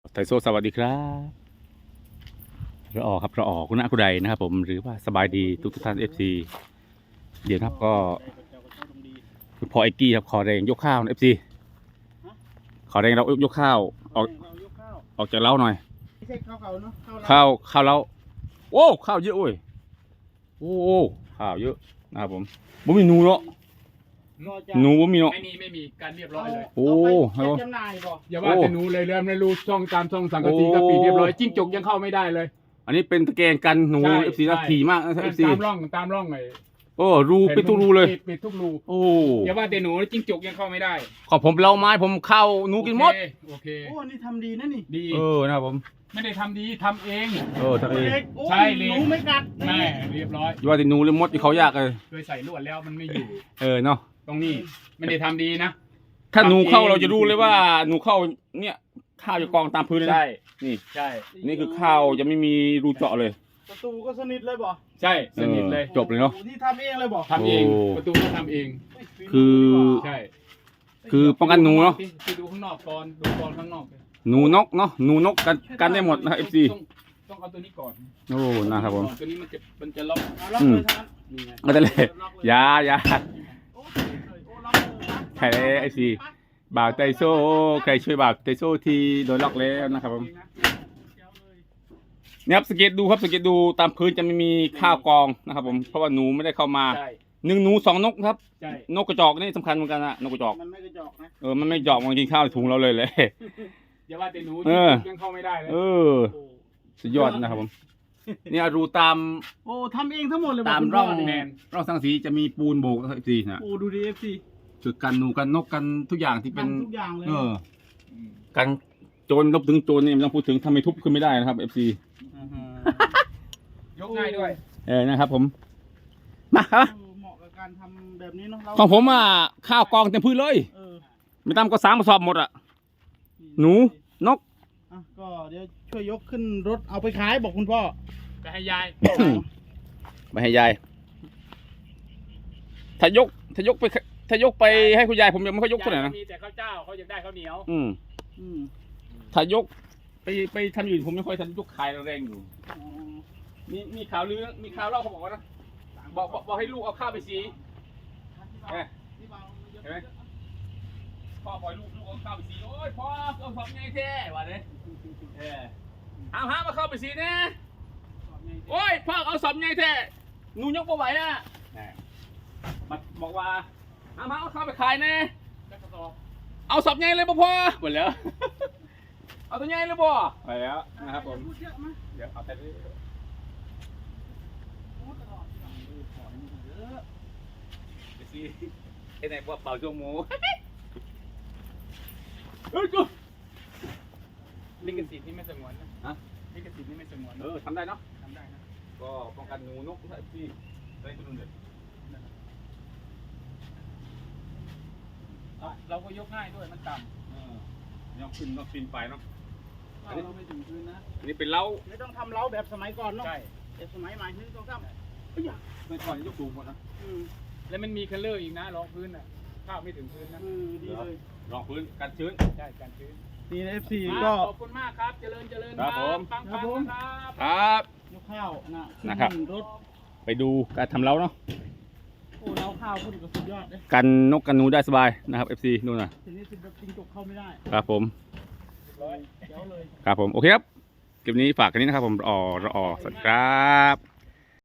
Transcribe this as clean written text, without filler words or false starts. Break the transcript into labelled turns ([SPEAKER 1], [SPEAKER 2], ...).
[SPEAKER 1] ไทโซสวัสดีครับเราออกครับเราออกคุณอาคุณใดนะครับผมหรือว่าสบายดีทุกท่านFC เดี๋ยวครับก็คุณพ่อไอกี้ครับขอแรงยกข้าวFC ขอแรงเรายกข้าวออกจากเล้าหน่อย
[SPEAKER 2] ไม่ใช่ข้าวเก่าเนาะ
[SPEAKER 1] ข้าวเล้าโอ้ข้าวเยอะโอ้ยโอ้ข้าวเยอะนะครับผมบ่มีหนูเนาะหนูบ่มีเนาะ
[SPEAKER 3] ไม่มีการเรียบร้อยเลย
[SPEAKER 1] โอ้
[SPEAKER 2] ให้จำหน่ายบ่
[SPEAKER 3] อย่าว่าแต่หนูเลยไม่รู้ช่องตามช่องสังกะสีก็ปิดเรียบร้อยจิ้งจกยังเข้าไม่ได้เลย
[SPEAKER 1] อันนี้เป็นตะแกรงกันหนู FC นะถี่มากนะ FC
[SPEAKER 3] ตามร่องไง
[SPEAKER 1] โอ้รูปิดทุกรูเลย
[SPEAKER 3] ปิดทุกรู
[SPEAKER 1] โอ้
[SPEAKER 3] อย่าว่าแต่หนูจิ้งจกยังเข้าไม่ได้
[SPEAKER 1] ขอผมเล้าไม้ผมเข้าหนูกินหมด
[SPEAKER 3] โอเค
[SPEAKER 2] โอ้นี่ทำดีนะนี่
[SPEAKER 3] ดี
[SPEAKER 1] นะครับผม
[SPEAKER 3] ไม่ได้ทำดีทำเอง
[SPEAKER 1] ทำเอง
[SPEAKER 3] ใช่เลย
[SPEAKER 2] หนูไม่กัด
[SPEAKER 3] แม่เรียบร้อย
[SPEAKER 1] ว่าแต่หนูเลยมดที่เขายากเลย
[SPEAKER 3] เคยใส่ลวดแล้วมันไม่อยู่
[SPEAKER 1] เนาะ
[SPEAKER 3] ตรงนี้ไม่ได้ทำดีนะ
[SPEAKER 1] ถ้าหนูเข้าเราจะรู้เลยว่าหนูเข้าเนี่ยข้าวจะกองตามพื้นเลย
[SPEAKER 3] ใช่
[SPEAKER 1] นี่
[SPEAKER 3] ใช่
[SPEAKER 1] นี่คือข้าวจะไม่มีรูเจาะเลย
[SPEAKER 2] ประตูก็สนิทเลยบ่
[SPEAKER 3] ใช่สนิทเลย
[SPEAKER 1] จบเลยเนาะ
[SPEAKER 2] นี่ทำเองเลยบ่
[SPEAKER 3] ทำเองประตูก็ทำเองใช่
[SPEAKER 1] คือป้องกันหนูเนาะ
[SPEAKER 3] คือดูข้างนอกก่อนดูก่อนข้างนอก
[SPEAKER 1] หนูนกเนาะหนูนกกันได้หมดนะ FC
[SPEAKER 3] ต้องเอาตัวนี้ก่อน
[SPEAKER 1] โอ้นะครับผม
[SPEAKER 3] ตัวนี้มันจะล็อก
[SPEAKER 1] ก็ได้เลยยาใครเลยไอซีบ่าวไตโซ่ใครช่วยบ่าวไตโซ่ที่โดนล็อกแล้วนะครับผมเนี่ยครับสังเกตดูครับสังเกตดูตามพื้นจะไม่มีข้าวกองนะครับผมเพราะว่าหนูไม่ได้เข้ามา1 หนู 2 นกครับนกกระจอกนี่สำคัญเหมือนกันนะนกกระจอก
[SPEAKER 2] มันไม่กระจอกนะ
[SPEAKER 1] มันไม่จอกมันกินข้าวถุงเราเลย
[SPEAKER 3] อย่าว่าแต่หนูยังเข้าไม่ได้เลย
[SPEAKER 1] สุดยอดนะครับผมเนี่ยรูตาม
[SPEAKER 2] ทำเองทั้งหมดเลย
[SPEAKER 1] ตามร่องสังสีจะมีปูนโบกนะครับ FC นะ
[SPEAKER 2] ดูดิ FC
[SPEAKER 1] จุดกันหนูกันนกกันทุกอย่างที่เป็น
[SPEAKER 2] ทุกอย่างเลย
[SPEAKER 1] กันโจรลบถึงโจรนี่ไม่ต้องพูดถึงทำไมทุบขึ้นไม่ได้นะครับ FC
[SPEAKER 3] ยกง่ายด้วย
[SPEAKER 1] นะครับผมมาครับ
[SPEAKER 2] เหมาะกับการทำแบบนี้เนาะ
[SPEAKER 1] ของผมข้าวกองเต็มพื้นเลยไม่ต่ำก็3 กระสอบหมดหนูนก
[SPEAKER 2] ก็เดี๋ยวช่วยยกขึ้นรถเอาไปขายบอกคุณพ่อ
[SPEAKER 3] ไปให้ยาย
[SPEAKER 1] ไปให้ยายถ้ายกไปให้คุณยายผมยังไม่ค่อยยกเท่าไหร่นะ
[SPEAKER 3] มีแต่ข้าวเจ้าเขาอยากได้ข้าวเหนียว
[SPEAKER 1] ถ้ายกไปทำอยู่ผมไม่ค่อยทำยกขายแรงอยู่มีข่าวลือมีข่าวเล่าเขาบอกว่านะบอกให้ลูกเอาข้าวไปสีเห็นไหมพ่อปล่อยลูกเอาข้าวไปสีโอ้ยพ่อเอาสอบไงแท้วะเนี่ยหามาเข้าไปสีเนี่ยโอ้ยพ่อเอาสอบไงแท้หนูยกไม่ไหวบอกว่าเอาข้าวไปขายแน่เอาสอบไงเลยพ่อหมดแล้วเอาตัวไงเลยพ่อไปแล้วนะครับผมเดี๋ยวเอาแต่ไอ้ไหนบอกเป่าชั่วโมง
[SPEAKER 3] ลิขสิทธิ์นี่ไม่สงวนนะลิขสิทธิ์นี่ไม่สงวน
[SPEAKER 1] ทำได้เนาะ
[SPEAKER 3] ทำได้นะ
[SPEAKER 1] ก็ป้องกันหนูนกที่อะไรตัวนึงเด็ด
[SPEAKER 3] เราก็ยกง่ายด้วยมันต่
[SPEAKER 1] ำยกขึ้นปีนไปเนาะ
[SPEAKER 2] เราไม่ถึงพื้นนะ
[SPEAKER 1] อันนี้เป็นเล้า
[SPEAKER 2] ไม่ต้องทำเล้าแบบสมัยก่อนเนาะใช่แบบสมัยใหม่นี่ต้องทำ
[SPEAKER 1] ไม่ก่อนยกสูงหมดนะ
[SPEAKER 3] แล้วมันมีคัลเลอร์อีกนะรองพื้นข้าวไม่ถึงพื้นนะ
[SPEAKER 2] ดีเลย
[SPEAKER 1] รองพื้นกันชื้น
[SPEAKER 3] ใช่กันชื้น
[SPEAKER 2] นี่นะ FC ก็
[SPEAKER 3] ขอบคุณมากครับเจริญ
[SPEAKER 1] ครับผม
[SPEAKER 2] ครับยกข้าว
[SPEAKER 1] นะครับ
[SPEAKER 2] รถ
[SPEAKER 1] ไปดูการทำเล้าเนาะ
[SPEAKER 2] เล้าข้าวพูดก็สุดยอดเลย
[SPEAKER 1] กันนกกันหนูได้สบายนะครับ FC ดูนะ
[SPEAKER 2] ทีนี้จิ้งจกเข้าไม่ได้
[SPEAKER 1] ครับผม
[SPEAKER 2] เดี๋ยวเลย
[SPEAKER 1] ครับผมโอเคครับคลิปนี้ฝากกันนี้นะครับผมรอสวัสดีครับ